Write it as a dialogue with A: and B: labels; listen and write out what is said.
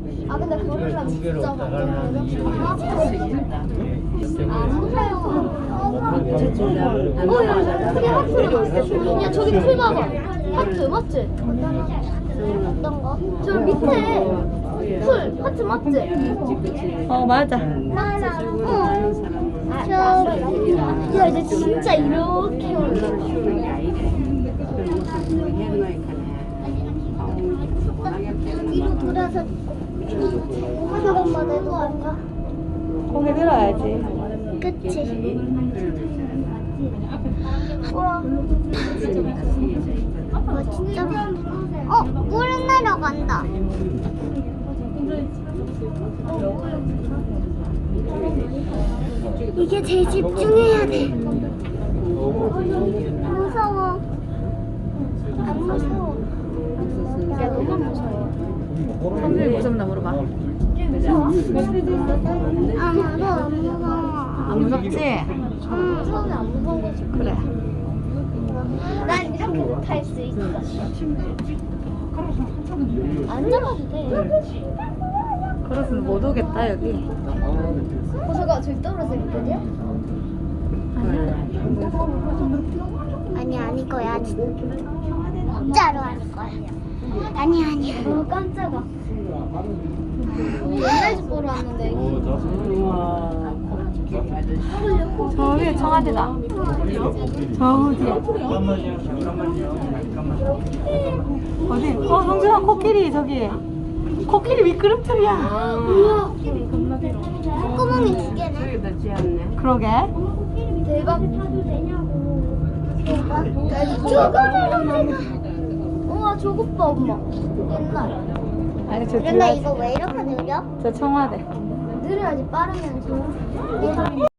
A: 아 근데 그거랑 진짜 완전 야 저기 풀 봐봐. 하트 맞지? 어떤 거? 저 밑에 풀 하트 맞지?
B: 맞아.
A: 맞아. 야 이제 진짜 이렇게 올라. 뒤로 돌아서 한번만 해도 안 가.
B: 고개 들어야지.
A: 그치? 와. 와 진짜. 물은 내려간다. 이게 제일 집중해야 돼. 무서워. 안 무서워. 야, 너무 무서워.
B: 선생님 무섭나 물어봐.
A: 무서워? 아무도 안 무서워.
B: 안 무섭지?
A: 처음에 안 무서운 거지.
B: 그래.
A: 난 이렇게 탈 수 있어. 안 잡아도 돼.
B: 그래서 못 오겠다 여기.
A: 저가 저기 떨어져 있거든요? 아니 거야. 진짜로 아닐 거야. 아니야. 깜짝아. 옛날 집 보러 왔는데.
B: 저 위에 청와대다. 저 뒤에. 어디? 성준아 코끼리 저기. 코끼리 미끄럼틀이야.
A: 우와. 콧구멍이 두 개네.
B: 그러게.
A: 대박. 저거를 우와 저것 봐 엄마. 옛날.
B: 아니 저
A: 옛날 이거 왜 이렇게 느려?
B: 저 청와대.
A: 느려야지 빠르면서.